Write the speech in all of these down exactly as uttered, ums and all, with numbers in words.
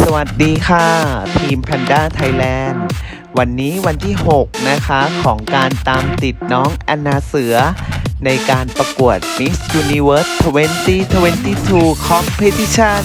วัสดีค่ะทีม Panda Thailand วันนี้วันที่หกนะคะของการตามติดน้องแอนนาเสือในการประกวด Miss Universe สองพันยี่สิบสอง Competition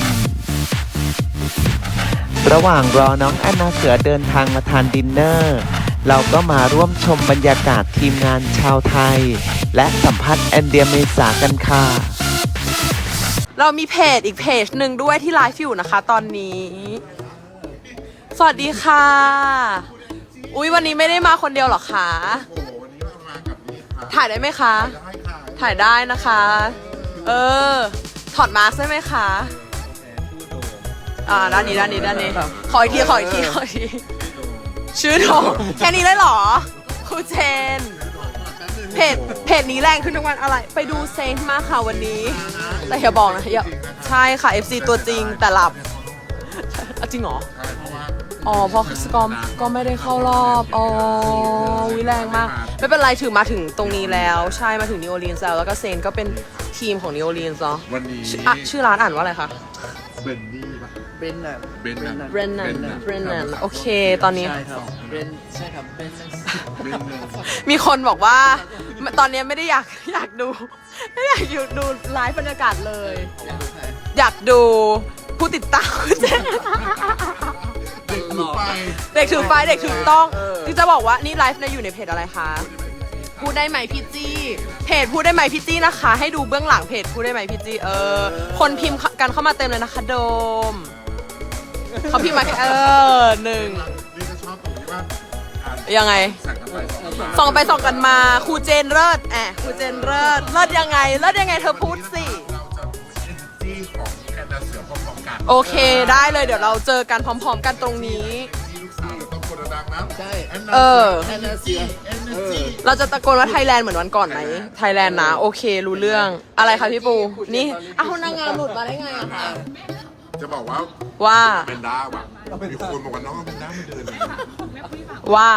ระหว่างรอน้องแอนนาเสือเดินทางมาทานดินเนอร์เราก็มาร่วมชมบรรยากาศทีมงานชาวไทยและสัมภาษณ์แอนเดียเมษากันค่ะเรามีเพจอีกเพจหนึ่งด้วยที่ไลฟ์อยู่นะคะตอนนี้ สวัสดีค่ะ อุ๊ยวันนี้ไม่ได้มาคนเดียวหรอคะโอ้วันนี้มากับนี่ค่ะถ่ายได้ไหมคะได้ค่ะถ่ายได้นะคะ เออ ถอดมาสก์ได้ไหมคะ อ่าด้านนี้ด้านนี้ด้านนี้ ขออีกทีขออีกทีขออีกที ชื่อโดมแค่นี้เลยเหรอครูเจน เพจเพจนี้แรงขึ้นทุกวันอะไร ไปดูเซนต์มาค่ะวันนี้ แต่อย่าบอกนะอย่าใช่ค่ะ เอฟ ซี ตัวจริงแต่หลับจริงเหรอใช่เพราะว่าอ๋อเพราะสกอมก็ไม่ได้เข้ารอบอ๋อวิแรงมากไม่เป็นไรถือมาถึงตรงนี้แล้วใช่มาถึงนิวออร์ลีนส์แล้วแล้วก็เซนก็เป็นทีมของนิวออร์ลีนส์เนาะวันนี้ชื่ออ่ะชื่อร้านอ่านว่าอะไรคะเบนนี่ปะเบรนนันเบนนันเบรนนันเบรนนันโอเคตอนนี้ใช่ครับเบรนใช่ครับเบรนนันเบนนันมีคนบอกว่าตอนนี้ไม่ได้อยากอยากดูไม่อยากอยู่ดูไลฟ์บรรยากาศเลย อยากดูผู้ติดตามคุณเจนเด็กถือไปเด็กถือไฟเด็กถือต้องที่จะบอกว่านี่ไลฟ์ในอยู่ในเพจอะไรคะพูดได้ไหมพี่จี้เพจพูดได้ไหมพี่จี้นะคะ ให้ดูเบื้องหลังเพจพูดได้ไหมพี่จี้เออคนพิมพ์กันเข้ามาเต็มเลยนะคะโดมเขาพิมพ์มาแค่เออหนึ่งนี่ก็ชอบตรงที่ว่าอ่านยังไงสั่งกันไปสั่งกันมาส่องไปส่องกันมาครูเจนเลิศแอะครูเจนเลิศเลิศยังไงเลิศยังไงเธอพูดสิเราจะดูเอเนจีของแอนนาเสือพร้อมๆกันโอเคได้เลยเดี๋ยวเราเจอกันพร้อม ๆ กันตรงนี้ที่ลูกสาวเราต้องกดดังนะใช่แอนนาเออแอนนาเซียเอเนจีเราจะตะโกนว่าไทยแลนด์เหมือนวันก่อนไหมไทยแลนด์นะโอเครู้เรื่องอะไรคะพี่ปูนี่อ้าวนางงามหลุดมาได้ไงอะคะจะบอกว่าว่าเป็นด้าว่ะมีคนบอกว่าน้องเป็นด้ามาเดินเลยว่า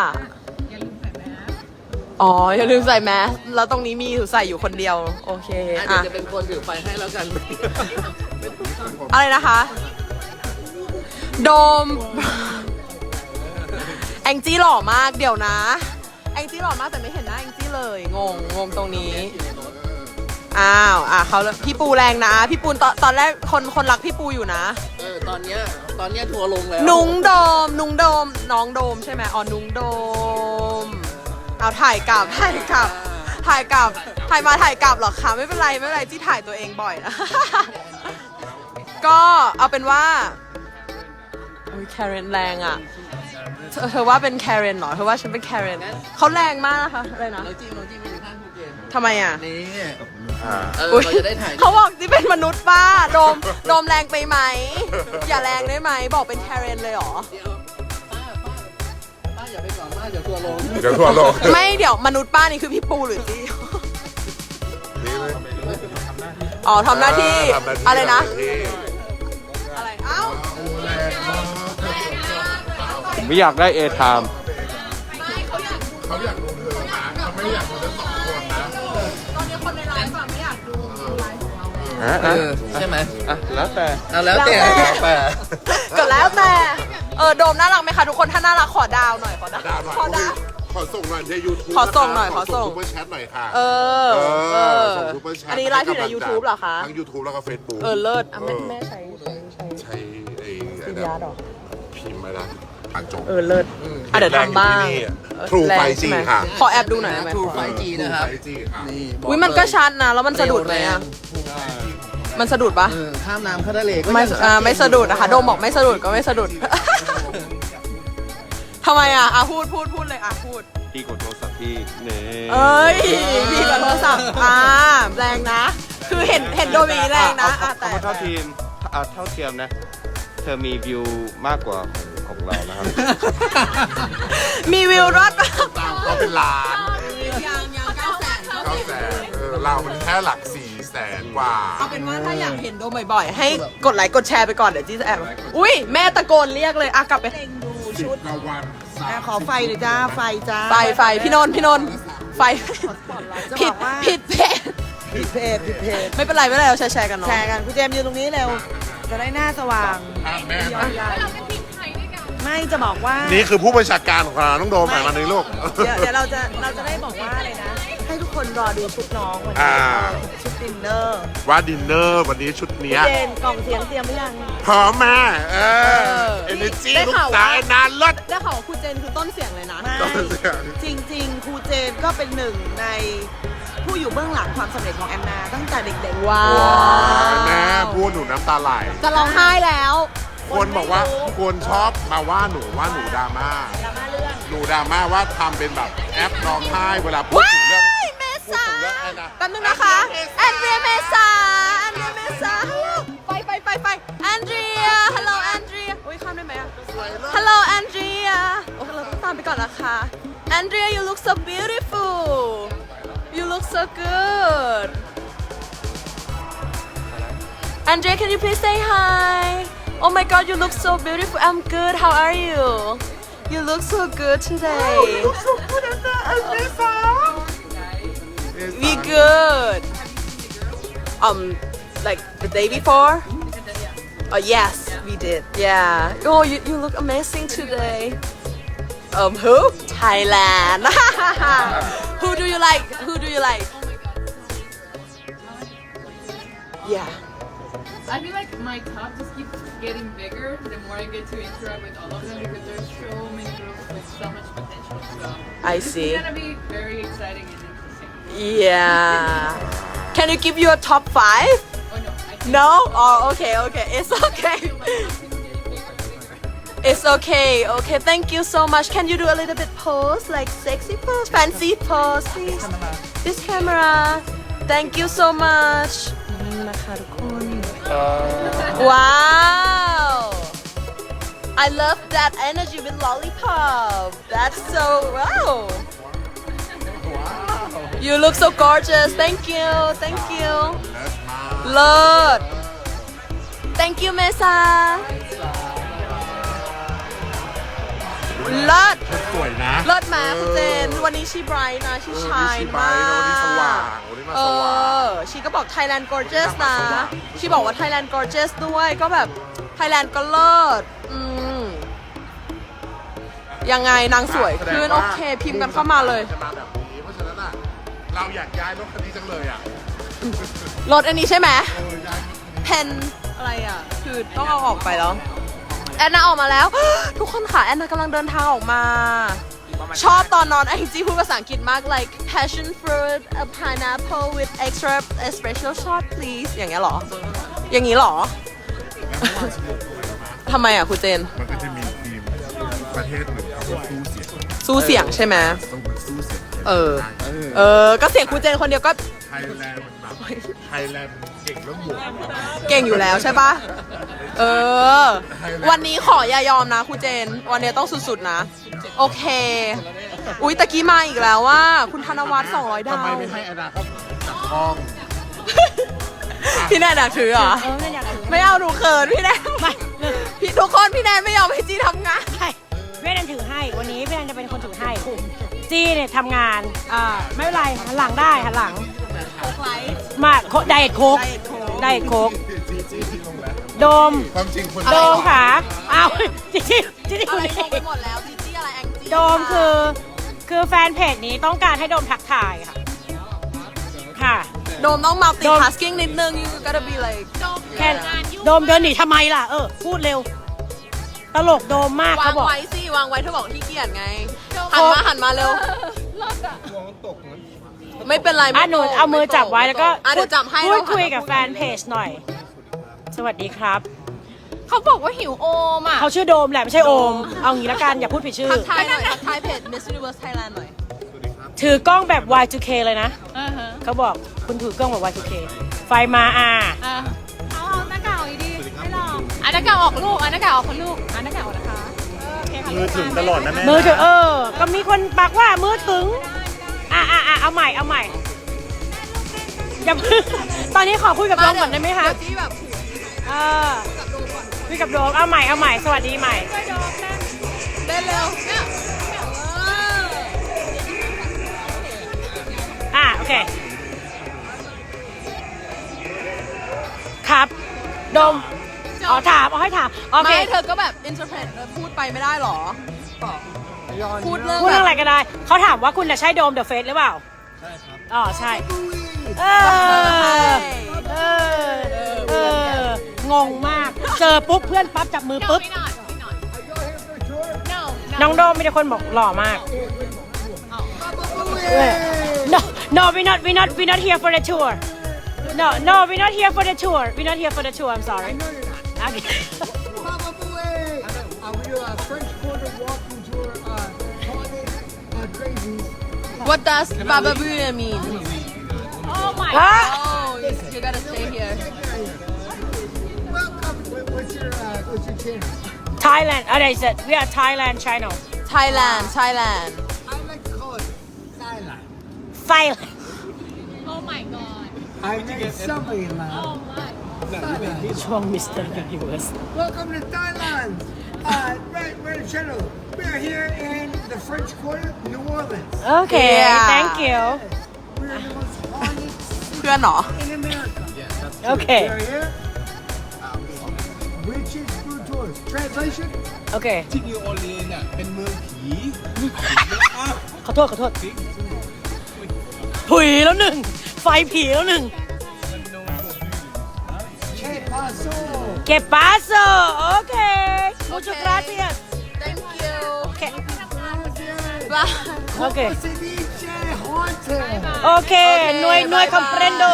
อ๋ออย่าลืมใส่แมสแล้วตรงนี้มีใส่อยู่คนเดียวโอเคอ่ะเดี๋ยอ่ะวจะเป็นคนถือไฟให้แล้วกันอะไรนะคะ โดมแองจี้หล่อมากเดี๋ยวนะแองจี้หล่อมากแต่ไม่เห็นหน้าแองจี้เลยงงงงตรงนี้อ้าวอ่ะเขาพี่ปูแรงนะพี่ปูตอนตอนแรกคนคนรักพี่ปูอยู่นะเออตอนเนี้ยตอนเนี้ยทัวร์ลงแล้วนุ้งโดม นุ้งโดม น้องโดมใช่ไหมอ๋อ นุ้งโดม เอาถ่ายกลับ ถ่ายกลับ ถ่ายกลับ ถ่ายมาถ่ายกลับหรอคะ ไม่เป็นไร ไม่เป็นไรที่ถ่ายตัวเองบ่อยนะ ก็เอาเป็นว่าอุ้ยแคเรนแรงอ่ะ เธอเธอว่าเป็นแคเรนเหรอ เธอว่าฉันเป็นแคเรนเขาแรงมากนะคะ อะไรนะเราจิ้มเราจิ้มไปอยู่ข้างภูเก็ตทำไมอ่ะนี่อ่าเอออุ๊ยเราจะได้ถ่ายเขาบอกที่เป็นมนุษย์ป้า โดม โดมแรงไปไหม อย่าแรงได้ไหม บอกเป็นแคเรนเลยเหรอเดี๋ยวป้าป้าป้าอย่าไปก่อนป้าเดี๋ยวทัวร์ลงเดี๋ยวทั่วโลกไม่เดี๋ยวมนุษย์ป้านี่คือพี่ปูหรือจี้นี่เลยอ๋อทำหน้าที่ทำหน้าที่อะไรนะทำหาที่อะไร เอ้าผมไม่อยากได้เอไทม์เขาอยากดูเธอนะเขาไม่อยากดูทั้งสองคนนะตอนนี้คนในไลฟ์อะไม่อยากดูไลฟ์ของเราอ่ะเออ่ะอใช่ไหมอ่ะแล้วแต่เอาแล้วแต่แล้วแต่แล้วแต่ก็แล้วแต่ เออโดมน่ารักไหมคะทุกคน ถ้าน่ารักขอดาวหน่อย ขอดาวดาวหน่อยขอดาวขอส่งหน่อยในยูทูบขอส่งหน่อยขอส่งซูเปอร์แชทหน่อยค่ะเออเอเอออส่งซูเปอร์แชทอันนี้ไลฟ์อยู่ใน YouTube เหรอคะทั้ง YouTube แล้วก็ Facebook เออเลิศอ่ะแม่แม่ใช้ใช้ใช้ใช้ไอ้ซีไอ้ดีอาร์ดหรอพิมพ์มาละอ่านจบเออเลิศอ่ะเดี๋ยวทำบ้างทรูแรไฟงจีใช่ไหมค่ะขอแอบดูหน่อยได้ไหม True ไฟว์จีนะครับไฟจีค่ะนี่บอุ้ยมันก็ชัดนะ แล้วมันสะดุดไหมอ่ะ มันสะดุดปะเออข้ามน้ำเข้าทะเลก็ไม่ยังอ่าไม่สะดุดนะคะ โดมบอกไม่สะดุดก็ไม่สะดุด ทำไมอ่ะอ่ะพูดพูดพูดเลยอ่ะพูดพี่กดโทรศัพท์พี่เน่เอ้ยพี่กับโทรศัพท์อ่าแรงนะ คือเห็นเห็นโดมีแรงนะอ่ะเอาแต่เอาเท่าทีมเอาเท่าเทียมนะ เธอมีวิวมากกว่าของของเรานะครับมีวิวรถปะตามก็เป็นล้านยังยังเก้าแสนเก้าแสนเออเรามันแค่หลักสี่แสนกว่าเอาเป็นว่าถ้าอยากเห็นโดมบ่อยๆ ให้กดไลค์กดแชร์ไปก่อนเดี๋ยวจี้จะแอบอุ้ยแม่ตะโกนเรียกเลยอ่ะกลับไปดูชุดกวันสามขอไฟหน่อยจ้า ไฟจ้าไฟไฟพี่นนท์พี่นนท์ไฟผิดผิดเพจผิดเพจผิดเพจไม่เป็นไรไม่เป็นไรเราแชร์ๆกันเนาะแชร์กันคุณเจมส์ยืนตรงนี้เร็วจะได้หน้าสว่างอ่ะแม่ไม่จะบอกว่านี่คือผู้บัญชาการของเราน้องโดมหมายมาในลูกเดี๋ยวเดี๋ยวเราจะเราจะได้บอกว่าอะไรนะ ให้ทุกคนรอดูชุดน้องวันอ่านี้ชุดดินเนอร์ว่าดินเนอร์วันนี้ชุดเนี้ยเจนกล่องเสียงเตรียมหรือยังพร้อมแม่เอออเอเนจีได้ลูกข่าวสาวว่าแอนนาเลิศได้ข่าวว่าครูเจนคือต้นเสียงเลยนะต้นเสียงจริงๆ ครูเจนก็เป็นหนึ่งในผู้อยู่เบื้องหลังความสำเร็จของแอนนา ตั้งแต่เด็กๆ ว้าว้าวแม่พูดหนูน้ำตาไหลจะร้องไห้แล้วคนบอกว่าคนชอบมาว่าหนูว่าหนูดราม่าดราม่าเรื่องหนูดราม่าว่าทำเป็นแบบแอปร้องไห้เวลาพูดถึงเรื่องว้ายเมษาพูดถึงเรื่องแอนนาแป๊บนึงนะคะ แอนเดรียเมษาแอนเดรียเมษาไปไปไปไปแอนเดรียฮัลโหลแอนเดรียอุ้ยข้ามได้ไหมอะฮัลโหลแอนเดรียโอ้เราต้องตามไปก่อนนะคะแอนเดรีย you look so beautiful you look so good Andrea can you please say hi oh my god you look so beautiful I'm good how are you you look so good today we good um like the day before oh yes we did yeah oh you, you look amazing today um who Thailand who do you like who do you like yeah I feel like my top just keeps getting bigger the more I get to interact with all of them because there's so many girls with so much potential. So I this see. is gonna be very exciting and interesting. Yeah. Can you give you a top five? Oh no, I can't. No? Oh, okay, okay. It's okay. It's okay. Okay, thank you so much. Can you do a little bit pose, like sexy pose, fancy pose, please? This camera. Thank you so much. นี่นะคะทุกคน Wow. I love that energy with lollipop. That's so wow. You look so gorgeous. Thank you. Thank you. Lord. Thank you, Mesa. Lord. สวยนะเลิศมาคุณเจน วันนี้ชีไบรท์นะชีชายชีไบรมาท์นะวันนี้สว่างกวันนี้มาเอสว่างอ ชีก็บอก Thailand gorgeous นะสว่างชีบอกว่า Thailand gorgeous ด้วย ก็แบบ Thailand ก็เลิศอืมยังไงนางสวยขึ้น โอเค พิมพ์กันเข้ามาเลยจะมาแบบนี้เพราะฉะนั้นอ่ะเราอยากย้ายรถคันนี้จังเลยอ่ะรถอันนี้ใช่ไหมเออย้ายเพนอะไรอ่ะ คือต้องเอาออกไปแล้ว แอนนาออกมาแล้ว ทุกคนค่ะ แอนนากำลังเดินทางออกมา ชอบตอนนอนแองจี้พูดภาษาอังกฤษมาก like passion fruit a pineapple with extra espresso shot please อย่างเงี้ยเหรอ อย่างงี้เหรอ ทำไมอ่ะคุณเจนมันก็จะมีทีมประเทศหนึ่งเขาก็สู้เสียงสู้เสียงใช่ไหมต้องเป็นสู้เสียงเออ เออ ก็เสียงคุณเจนคนเดียวก็ไทยแลนด์มันแบบไทยแลนด์มันเก่งเรื่องบวกเก่งอยู่แล้วใช่ปะเออ วันนี้ขออย่ายอมนะครูเจน วันนี้ต้องสุดๆนะ โอเค อุ๊ยตะกี้มาอีกแล้วว่า คุณธนวัฒน์สองร้อยดาทำไมวไม่ให้อนาคตจับทองพี่แนนอยากถือเหรอ ไม่เอาหนูเขินพี่แนนพี่ทุกคนพี่แนนไม่ยอมให้จีทำงานใช่พี่แนนถือให้ วันนี้พี่แนนจะเป็นคนถือให้จี้เนี่ยทำงานอ่าไม่เป็นไรหันหลังได้หันหลังมาไดเอทโค้กไดเอทโค้กโดมความจริงคนโดมค่ะอ้าวจี้จี้จี้อะคุณไรเองงงไปหมดแล้วจีจี้อะไรแองจี้โดมคือคือแฟนเพจนี้ต้องการให้โดมทักทายค่ะค่ะโดมต้องโดม multitasking นิดนึง you gotta be like แค่โดมเดินหนีทำไมล่ะเออพูดเร็ว ตลกโดมมากวาเขางบอกไว้สิวางไว้เธอบอกที่เกียจไง หันมาหันมาเร็ว ไม่เป็นไรอ่ะไม่หนูตกเอามือไตกจับไว้แล้วก็อ่ะเดี๋ยวจับให้พูดแล้วคุยหันมากับแฟนเพจหน่อย สวัสดีครับเขาบอกว่าหิวโอมอ่ะเขาชื่อโดมแหละไม่ใช่โอม เอางี้ละกันอย่าพูดผิดชื่อทักทายหน่อยทักทายเพจ Miss Universe Thailand หน่อยถือกล้องแบบ วาย ทู เค เลยนะอ่าฮะเขาบอกคุณถือกล้องแบบ วาย ทู เค ไฟมาอ่าอ่ะเอาเอาหน้ากากออกดีๆไม่ลองอ่ะหน้ากากออกลูกอ่ะหน้ากากออกคนลูกอ่ะหน้ากากออกนะคะเออโอเคค่ะมือถึงตลอดนะแม่มือถือเออ ก็มีคนปักว่ามือถึง อ่ะอ่ะอ่ะเอาใหม่เอาใหม่อย่าเพิ่งตอนนี้ขอคุยกับโดมก่อนได้ไหมคะเดี๋ยวจี้แบบเออคุยกับโดมเอาใหม่เอาใหม่สวัสดีใหม่เต้นเร็วอ่ะโอเค ครับ โดมโจอ๋อถามเอาให้ถามโอเคไม่เธอก็แบบ interpret เธอพูดไปไม่ได้หรอ พูดเรื่องพูดแบเรื่อบ งอะไรก็ได้ เขาถามว่าคุณน่ะใช่โดมเดอะเฟสหรือเปล่า ใช่ครับ อ๋อ ใช่ เออ เออ เออ งงมาก เจอปุ๊บเพื่อนปั๊บจับมือ No, ปุ๊บ we're not. We're not. No, น้อง no. โดมมีแต่คนบอกหล่อมาก No, no, we're not, we're not, we're not here for the tour. No, no, we're not here for the tour. We're not here for the tour. I'm sorry. Okay. Baba Booey! Uh, we do a French Quarter walking tour, uh, toilet, uh, crazies. What does Baba Booey mean Oh my Huh? Oh you, you gotta stay here Welcome. What- What's your, uh, what's your channel? Thailand. Oh, they said we are Thailand channel. Thailand Thailand I like to call it Thailand. Thailand. Oh my god. I met somebody in Laos. Oh my. Thailand. ช่วง Mister Universe. Welcome to Thailand. Uh, right, right channel. We are here in the French Quarter, New Orleans. Okay, Yeah. thank you. We are the most haunted เพื่อนเหรอ in America. Okay, We are here. Witches Food Tours. Translation? okay. ที่นิวออร์ลีนส์อ่ะเป็นเมืองผีขอโทษขอโทษถุยแล้วหนึ่ง ไฟผีแล้วหนึ่ง Que paso? Que paso? Okay. Muchas gracias. Thank you Okay. Gracias. Bye Okay. Como se dice haunted? Okay. Okay, No, no bye-bye. comprendo.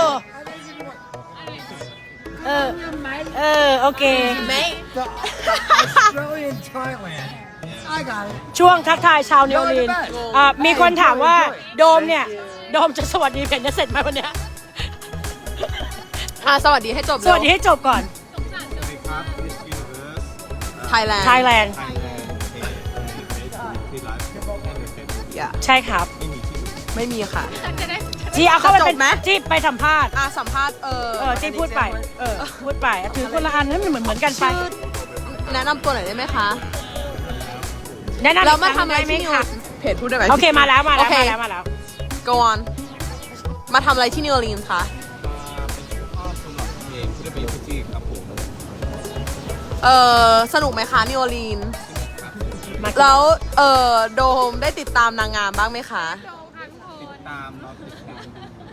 เออ เออ โอเค Mate The Australian Thailand. I got it. ช่วงทักทายชาวนิวออร์ลีนส์อ่ะมีคนถามว่าโดมเนี่ย โดมจะสวัสดีเพนจะเสร็จไหมวันเนี้ยอ่ะสวัสดีให้จบสเร็วัสดีให้จบก่อนครับ Miss Universe Thailand Thailand Thailand ที่ไลฟ์ในเฟซบุ๊กอย่าใช่ครับไม่มีค่ะจีเอาเข้าไปเป็นจะจบไหมจีไปสัมภาษณ์อ่ะสัมภาษณ์เออเออจีพูดไป เออ พูดไปอ่ะถือคนละอันให้มันเหมือนเหมือนกันไปชื่อแนะนำตัวหน่อยได้ไหมคะแนะนำเรามาอีกคทำรั้งอะไรได้ไหมที่นิวคะเพจพูดได้ไหมโอเคมาแล้วมาแล้วโอเคมาแล้วมาแล้ว go on มาทำอะไรที่นิวออร์ลีนส์คะเองที่ได้ไปอยู่ที่ครับผมเออสนุกไหมคะนิวออร์ลีนส์มาแล้วเออโดมได้ติดตามนางงามบ้างไหมคะตามเราติดตาม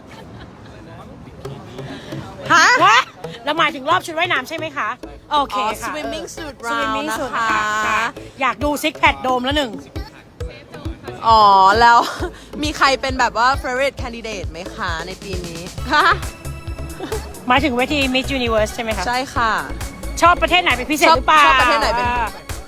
ฮะวะเราหมายถึงรอบชุดว่ายน้ำใช่ไหมคะ โอเคอ๋อค่ะ swimming suit สวิม round มิ่งนะสุดคะค่ะ อยากดูซิกแพดโดมแล้วหนึ่งอ๋อ แล้ว มีใครเป็นแบบว่า favorite candidate ไหมคะในปีนี้ ฮะหมายถึงเวที Miss Universe ใช่ไหมคะใช่ค่ะชอบประเทศไหนเป็นพิเศษชอบหรือเปล่าชอบประเทศไหนเป็นอ่า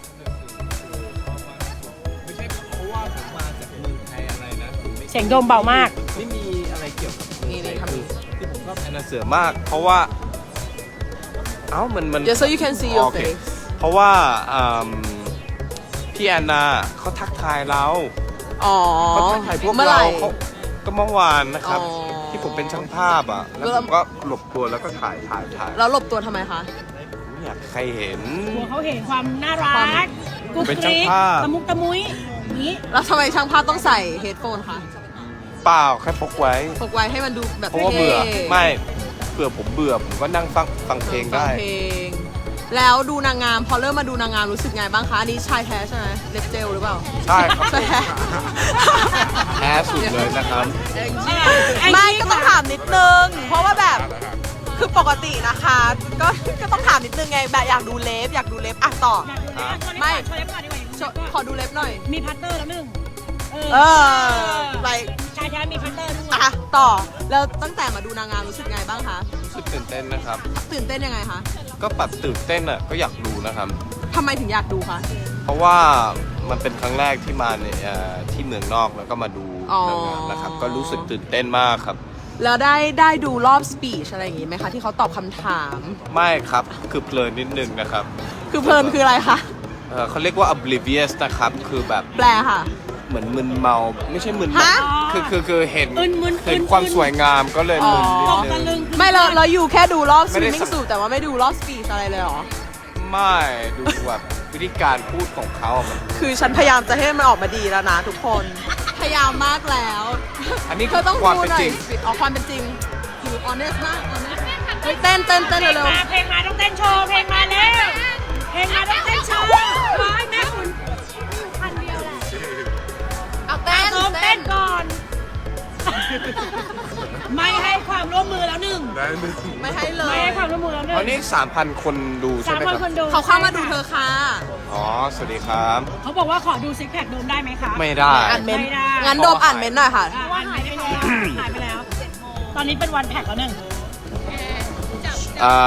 ไม่ใช่เพราะว่าผมมาจากเมืองไทยอะไรนะผมไม่เสียงโดมเบามากไม่มีอะไรเกี่ยวกับเมืองนี่ไทนี่ยทำคือนี้ที่ผมชอบแอนนาเสือมาก เพราะว่า เอ้ามันมัน just so you can see your โอเค face เพราะว่าอืมพี่แอนนาเขาทักทายเราอ๋อเขาทักทายพวกเมื่อไหเราร่เขาก็เมื่อวานนะครับอ๋อที่ผมเป็นช่างภาพอ่ะ แล้วผมก็หลบตัวแล้วก็ถ่ายถ่ายถ่ายแล้วหลบตัวทำไมคะไม่อยากให้ใครเห็นกลัวเขาเห็นความน่ารัความกกุ๊กเป็นกช่างริ๊กภาพตะมุกตะมุยอย่างนี้แล้วทำไมช่างภาพต้องใส่ headphone คะเปล่าแค่พกไว้พกไว้ให้มันดูแบบเพราะว่าเบื่อท่ไม่เบื่อผมเบื่อผมก็นั่งฟังฟังเพลงได้ฟัเพลง แล้วดูนางงาม พอเริ่มมาดูนางงามรู้สึกไงบ้างคะ อันนี้ชายแท้ใช่ไหมเล็บเจลหรือเปล่าใช่ครับชายแท้แท้สุดเลยนะครับไม่ก็ต้องถามนิดนึง เพราะว่าแบบคือปกตินะคะ ก็ก็ต้องถามนิดนึงไงแบบอยากดูเล็บอยากดูเล็บอ่ะต่อ ไม่โชว์เล็บก่อนดีกว่าโชว์ขอดูเล็บหน่อยมีพัตเตอร์แล้วหนึ่งเออไปชายแท้มีพัตเตอร์ด้วยอ่ะต่อแล้วตั้งแต่มาดูนางงามรู้สึกไงบ้างคะรู้สึกตื่นเต้นนะครับตื่นเต้นยังไงคะก็ปัดตื่นเต้นอ่ะก็อยากดูนะครับทำไมถึงอยากดูคะเพราะว่ามันเป็นครั้งแรกที่มาในเอ่อที่เมืองนอกแล้วก็มาดูอ๋อนางงามนะครับ ก็รู้สึกตื่นเต้นมากครับแล้วได้ได้ดูรอบสปีชอะไรอย่างงี้ไหมคะที่เขาตอบคำถามไม่ครับคือเพลินนิดนึงนะครับคือเพลินคืออะไรคะเอ่อเขาเรียกว่า oblivious นะครับ คือแบบแปลค่ะเหมือนมึนเมาไม่ใช่มึนเมาฮะคือคือคือเห็นอึนมึนเห็นอึนความอึนสวยงามก็เลยมึนนิตดกนึตะลึงงไม่เราเราอยู่แค่ดูรอบสไม่ปีได้ชสูแต่ว่าไม่ดูรอบสปีชอะไรเลยเหรอไม่ดูแบบวิธีการพูดของเขาอะมันคือฉันพยายามจะให้มันออกมาดีแล้วนะทุกคน พยายามมากแล้วอันนี้เธอต้องความดูเป็นหน่อจยริงสิเอาความเป็นจริงอยู่ honest มาก honest เฮ้ยเต้นเต้นเต้นเพลงเร็วมาเพลงมาต้องเต้นโชว์เพลงมาแล้วเพลงมาต้องเต้นโชว์ร้อยแม่คุณๆเอาเต้นโซมเต้นก่อน ไม่ให้ความร่วมมือแล้วหนึ่งได้หนึ่งไม่ให้เลไม่ยให้ความร่วมมือแล้วหนึ่งตอนนี้สามพันคนดูใช่สามไหมพันครับคนดูเขาเข้ามาดูเธอค่ะอ๋อ สวัสดีครับเขาบอกว่าขอดูซิกแพคโดมได้ไหมคะไม่ได้อ่านเมนต์ไม่ได้งั้นโดมอ่านเมนต์หน่อยค่ะอ่ะหายไปแล้วหายไปแล้ว ตอนนี้เป็นวันแพ็กแล้วหนึ่งอ่า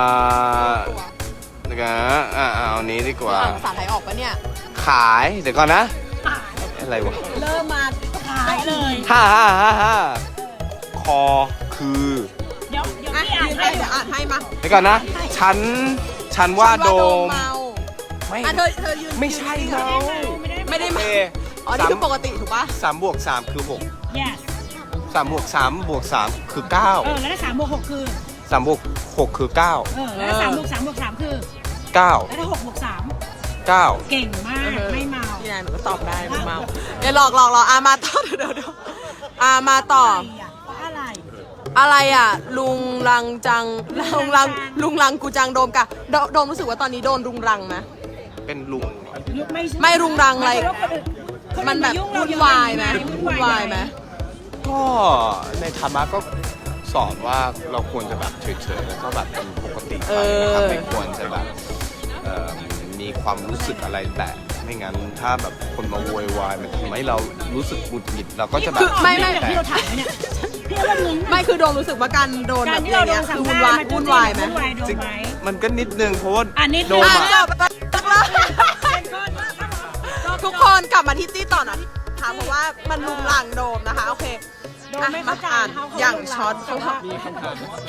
เดี๋ยวกันนะอ่าเอานี้ดีกว่าอ่านภาษาไทยออกปะเนี่ยขาย เดี๋ยวก่อนนะ อะไรวะเริ่มมาขายเลยห้าห้าห้าห้าคอคือเดี๋ยวเดี๋ยวอ่ะพี่อ่านยืนให้ให้เดี๋ยวอ่านให้มาเดี๋ยวก่อนนะ ฉัน ฉันว่าโดมเมาไม่อ่ะเธอเธอยืนไม่ใช่ยืนเมาไม่ได้โอเมาเคอ๋อ นี่คือปกติถูกปะสามบวกสามคือหก yes สามบวกสามบวกสามคือเก้าเออ แล้วถ้าสามบวกหกคือสามบวกหกคือเก้าเออ แล้วถ้าสามบวกสามบวกสามคือเก้าแล้วถ้าหกบวกสามเก้าเก่งมาก ไม่เมาพี่นายหนูก็ตอบได้ไม่เมาเดี๋ยวหลอกหลอกหลอกอ่ะมาต่อเดี๋ยวเดี๋ยวเดี๋ยวอ่ะมาต่ออะไรอะไรอ่ะ ลุงรังจัง ลุงรัง ลุงรังกูจังโดมกะโดโดมรู้สึกว่าตอนนี้โดนรุงรังไหมเป็นลุงไม่ไม่รุงรังอะไรคมันแบบายุ่งเรวุ่นวายไหมวุ่นวายไหมก็ในธรรมะก็สอนว่าเราควรจะแบบเฉยๆแล้วก็แบบเป็นปกติไปนะครับไม่ควรจะแบบเอ่อมีความรู้สึกอะไรแต่ไม่งั้นถ้าแบบคนมาโวยวายมันทำให้เรารู้สึกหงุดหงิดเราก็จะแบบคือไม่ไม่อย่างที่เราถามเนี่ยพี่ว่ามึงไม่คือโดมรู้สึกว่าการโดนกาแบรบที่อเราย่างโดเงี้ยนคือวุ่นวายสัมภาษณ์วุ่นวายไหมวุ่นวายโดนจริงไหมมันก็นิดนึงเพราะว่าอ่ะนิดนึงโดมอ่ะอะจบทุกคนกลับมาที่ตี้ต่อนะค่ะเพราะว่ามันลุงรังโดมนะคะ โอเคโดนไม่อ่ะเข้าใจอ่านเขาเขาอย่างรุงรังช็อตเขาแต่ว่ามีคำถาม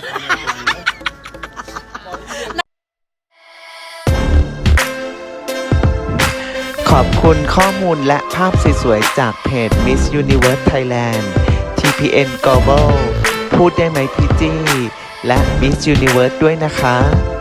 ขอบคุณข้อมูลและภาพสวยๆจากเพจ Miss Universe Thailand ที พี เอ็น Global พูดได้ไหมพี่จี้ และ Miss Universe ด้วยนะคะ